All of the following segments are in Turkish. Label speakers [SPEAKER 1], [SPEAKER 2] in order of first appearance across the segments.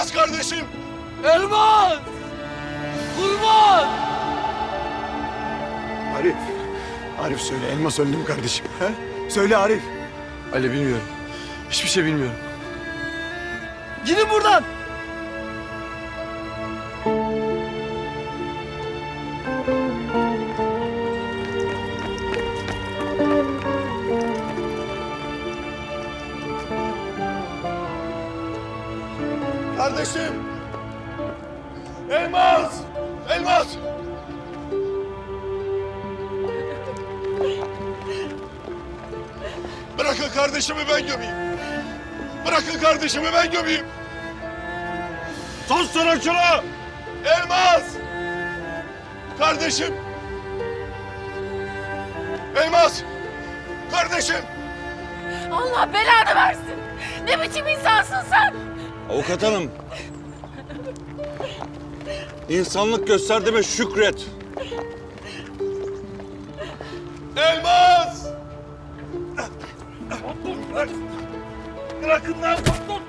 [SPEAKER 1] Elmas kardeşim!
[SPEAKER 2] Elmas! Kurban!
[SPEAKER 1] Arif, Arif söyle, Elmas öldü mü kardeşim? He? Söyle Arif.
[SPEAKER 3] Ali bilmiyorum. Hiçbir şey bilmiyorum.
[SPEAKER 2] Gidin buradan!
[SPEAKER 1] Kardeşim! Elmas! Elmas! Bırakın kardeşimi ben gömeyim. Bırakın kardeşimi ben gömeyim. Sus sana şunu! Elmas! Kardeşim! Elmas! Kardeşim!
[SPEAKER 4] Allah belanı versin. Ne biçim insansın sen?
[SPEAKER 5] Avukat hanım. İnsanlık gösterdiğime şükret.
[SPEAKER 1] Elmas! Bırakın lan!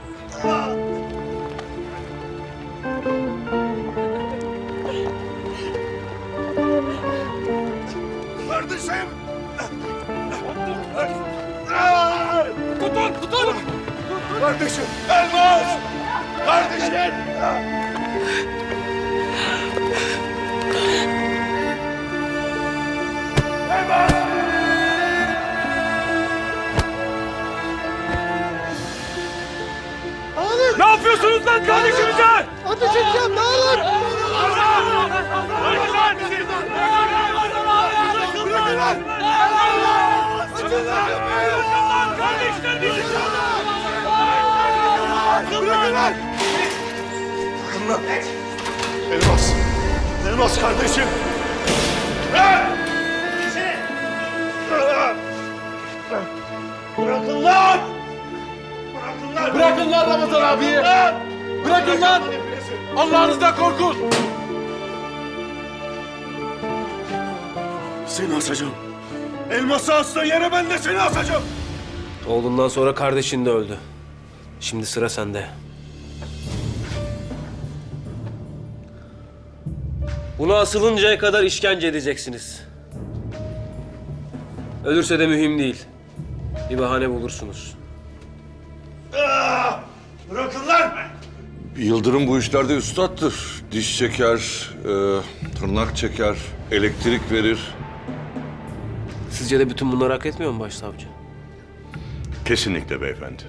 [SPEAKER 1] Kardeşim!
[SPEAKER 2] Tutun!
[SPEAKER 1] Kardeşim! Elmas! Kardeşim!
[SPEAKER 2] Ne yapıyorsunuz lan kardeşimize?
[SPEAKER 1] Ateş edeceğim, ne olur!
[SPEAKER 2] Bırakın lan bizi! Bırakın lan! Bırakın lan kardeşler bizi!
[SPEAKER 1] Bırakın lan! Elmas! Elmas kardeşim! Bırakın lan! Bırakın lan!
[SPEAKER 2] Bırakın lan Ramazan abiyi! Bırakın lan! Allah'ınızdan korkun!
[SPEAKER 1] Seni asacağım. Elması astığın yere ben de seni asacağım.
[SPEAKER 6] Oğlundan sonra kardeşin de öldü. Şimdi sıra sende. Buna asılıncaya kadar işkence edeceksiniz. Ölürse de mühim değil. Bir bahane bulursunuz.
[SPEAKER 1] Bırakın lan!
[SPEAKER 5] Yıldırım bu işlerde üstattır. Diş çeker, tırnak çeker, elektrik verir.
[SPEAKER 6] Sizce de bütün bunları hak etmiyor mu başsavcı?
[SPEAKER 5] Kesinlikle beyefendi.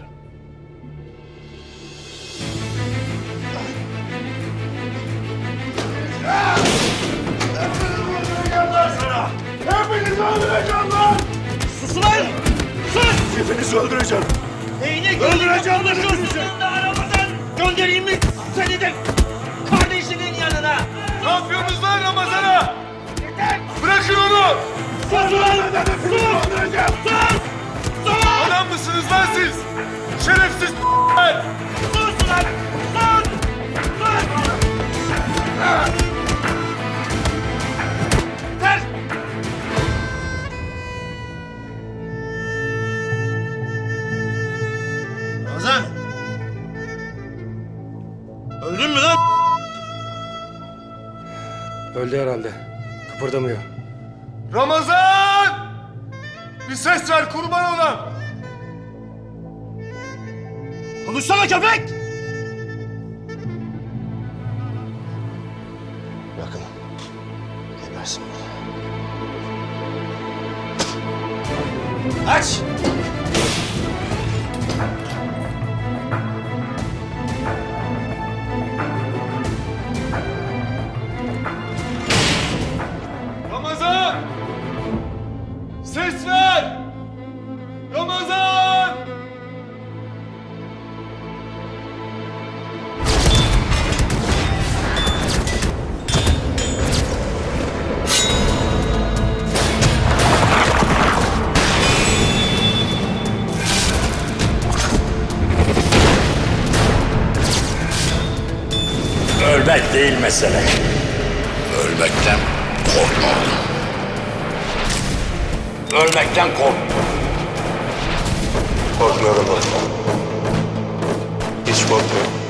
[SPEAKER 1] Hepinizi öldüreceğim lan!
[SPEAKER 2] Sus lan! Sus!
[SPEAKER 1] Hepinizi öldüreceğim.
[SPEAKER 2] Neyine
[SPEAKER 1] Öldüreceğim
[SPEAKER 2] konuşuyorsun da aramızdan? Göndereyim mi seni de kardeşinin yanına?
[SPEAKER 1] Ne yapıyorsunuz lan Ramazan'a? Bırakın onu!
[SPEAKER 2] Sus ulan!
[SPEAKER 1] Hepinizi öldüreceğim.
[SPEAKER 2] Sus! Sus!
[SPEAKER 1] Adam mısınız lan siz? Şerefsiz
[SPEAKER 2] Sus ulan! Sus! Sus! Ter!
[SPEAKER 1] Ramazan! Öldün mü lan?
[SPEAKER 6] Öldü herhalde. Kıpırdamıyor.
[SPEAKER 1] Ramazan! Bir ses ver kurban olam.
[SPEAKER 2] Konuşsana köpek!
[SPEAKER 1] Bakın. Gebersin
[SPEAKER 2] Aç!
[SPEAKER 1] Ramazan! Ses ver! Ramazan!
[SPEAKER 7] Ölmek değil mesele. Ölmekten korkma oğlum. Ölmekten kork.
[SPEAKER 1] Korkmuyorum baba. Hiç korkmuyorum.